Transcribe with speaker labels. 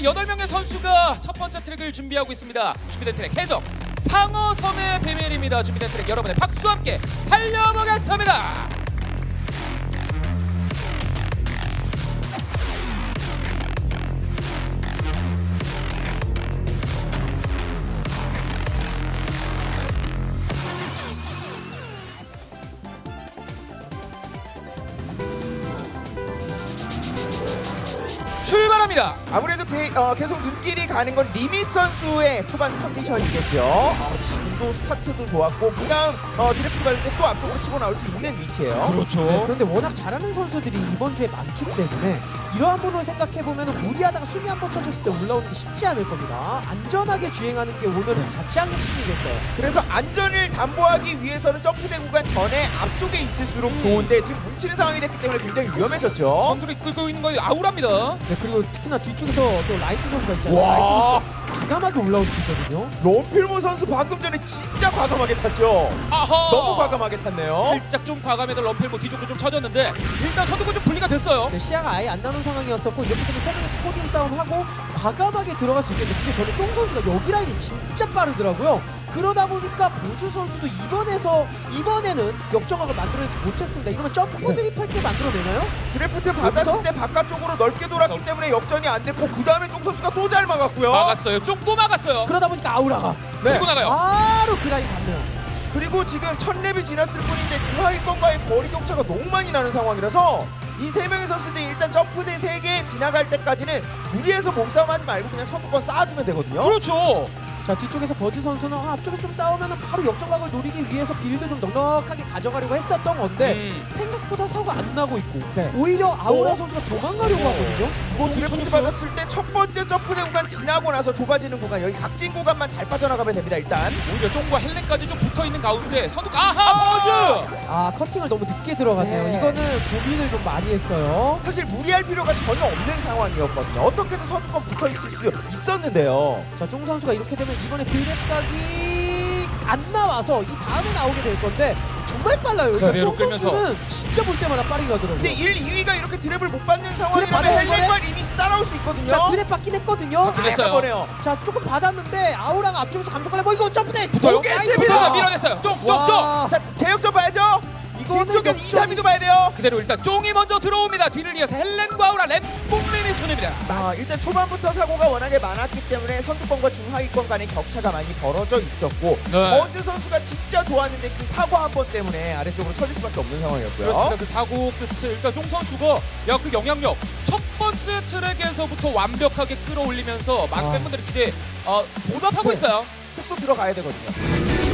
Speaker 1: 8명의 선수가 첫 번째 트랙을 준비하고 있습니다. 준비된 트랙 해적 상어섬의 비밀입니다. 준비된 트랙 여러분의 박수와 함께 달려보겠습니다. 출발합니다.
Speaker 2: 아무래도 계속 눈길이 가는 건 리밋 선수의 초반 컨디션이겠죠. 지금도 스타트도 좋았고 그다음 드래프트 갈 때 또 앞쪽으로 치고 나올 수 있는 위치예요.
Speaker 1: 그렇죠.
Speaker 3: 네, 그런데 워낙 잘하는 선수들이 이번 주에 많기 때문에 이러한 부분을 생각해보면 무리하다가 순위 한 번 쳐줬을 때 올라오는 게 쉽지 않을 겁니다. 안전하게 주행하는 게 오늘은 가장 핵심이겠어요.
Speaker 2: 그래서 안전을 담보하기 위해서는 점프대 구간 전에 앞쪽에 있을수록 좋은데 지금 뭉치는 상황이 됐기 때문에 굉장히 위험해졌죠.
Speaker 1: 선두를 끌고 있는 건 아우라입니다.
Speaker 3: 네, 그리고 특히나 뒤쪽에서 또 라이트 선수가 있잖아요.
Speaker 2: 와.
Speaker 3: 라이트 선수 과감하게 올라올 수 있거든요.
Speaker 2: 롬필모 선수 방금 전에 진짜 과감하게 탔죠.
Speaker 1: 아하.
Speaker 2: 너무 과감하게 탔네요.
Speaker 1: 살짝 좀 과감해도 럼펠모 뒤쪽으로 좀 쳐졌는데 일단 선두가 좀 분리가 됐어요.
Speaker 3: 네, 시야가 아예 안 나는 상황이었었고 이렇게 되면 세 명이서 포디움 싸움하고 과감하게 들어갈 수 있겠는데 근데 저는 쫑 선수가 여기 라인이 진짜 빠르더라고요. 그러다 보니까 보주 선수도 이번에는 역정각을 만들어내지 못했습니다. 이러면 점프 드립할 때 만들어내나요?
Speaker 2: 드래프트 받았을
Speaker 3: 여기서?
Speaker 2: 때 바깥쪽으로 넓게 돌았기
Speaker 1: 그래서-
Speaker 2: 때문에 역전이 안 됐고 그 다음에 쫑 선수가 또 잘 막았고요.
Speaker 1: 막았어요. 쭉 또 막았어요.
Speaker 3: 그러다 보니까 아우라가
Speaker 1: 치고 나가요.
Speaker 3: 바로 그 라인 봤네요.
Speaker 2: 그리고 지금 1000렙이 지났을 뿐인데 중하위권과의 거리 격차가 너무 많이 나는 상황이라서 이 세 명의 선수들이 일단 점프대 3개 지나갈 때까지는 무리해서 몸싸움하지 말고 그냥 선두권 쌓아주면 되거든요.
Speaker 1: 그렇죠.
Speaker 3: 자 뒤쪽에서 버즈 선수는 앞쪽에 좀 싸우면 바로 역전각을 노리기 위해서 빌드 좀 넉넉하게 가져가려고 했었던 건데 생각보다 사고가 안 나고 있고
Speaker 2: 네.
Speaker 3: 오히려 아우라
Speaker 2: 어?
Speaker 3: 선수가 도망가려고 하거든요.
Speaker 2: 뭐 드래프트
Speaker 1: 쳐줬어요.
Speaker 2: 받았을 때 첫 번째 점프대 구간 지나고 나서 좁아지는 구간 여기 각진 구간만 잘 빠져나가면 됩니다. 일단
Speaker 1: 오히려 쫑과 헬렌까지 좀 붙어있는 가운데 선두가 아하 버즈!
Speaker 3: 아 커팅을 너무 늦게 들어갔네요.
Speaker 2: 네.
Speaker 3: 이거는 고민을 좀 많이 했어요.
Speaker 2: 사실 무리할 필요가 전혀 없는 상황이었거든요. 어떻게든 선두권 붙어있을 수 있었는데요.
Speaker 3: 자, 쫑 선수가 이렇게 되면 이번에 드랩각이 안 나와서 이 다음에 나오게 될 건데 정말 빨라요.
Speaker 1: 그대로
Speaker 3: 쫑
Speaker 1: 끌면서.
Speaker 3: 선수는 진짜 볼 때마다 빠르게 가더라고요.
Speaker 2: 근데 1, 2위가 이렇게 드랩을 못 받는
Speaker 3: 드랩
Speaker 2: 상황이라면
Speaker 3: 받아요,
Speaker 2: 헬렌과 리밋이 따라올 수 있거든요.
Speaker 3: 자, 드랩 받긴 했거든요.
Speaker 1: 들렸어요.
Speaker 2: 약간 거네요.
Speaker 3: 자, 조금 받았는데 아우라가 앞쪽에서 감속하려 뭐 이거 점프대
Speaker 1: 붙어요?
Speaker 2: 오겠습니다.
Speaker 1: 붙어서 밀어냈어요. 쫑쫑쫑.
Speaker 3: 와,
Speaker 2: 자, 제역전 봐야죠.
Speaker 3: 이거는
Speaker 2: 뒤쪽에 2,
Speaker 3: 역전-
Speaker 2: 3위도 봐야 돼요.
Speaker 1: 그대로 일단 쫑이 먼저 들어옵니다. 뒤를 이어서 헬렌과 아우라 램봉림이 손입니다.
Speaker 2: 일단 초반부터 사고가 워낙에 많았기 때문에 선두권과 중하위권 간의 격차가 많이 벌어져 있었고
Speaker 1: 네.
Speaker 2: 버즈 선수가 진짜 좋았는데 그 사고 한 번 때문에 아래쪽으로 쳐질 수밖에 없는 상황이었고요.
Speaker 1: 그렇습니다. 그 사고 끝에 일단 쫑 선수가 그 영향력 첫 번째 트랙에서부터 완벽하게 끌어올리면서 많은
Speaker 3: 와.
Speaker 1: 팬분들의 기대에 보답하고
Speaker 3: 네.
Speaker 1: 있어요.
Speaker 2: 숙소 들어가야 되거든요.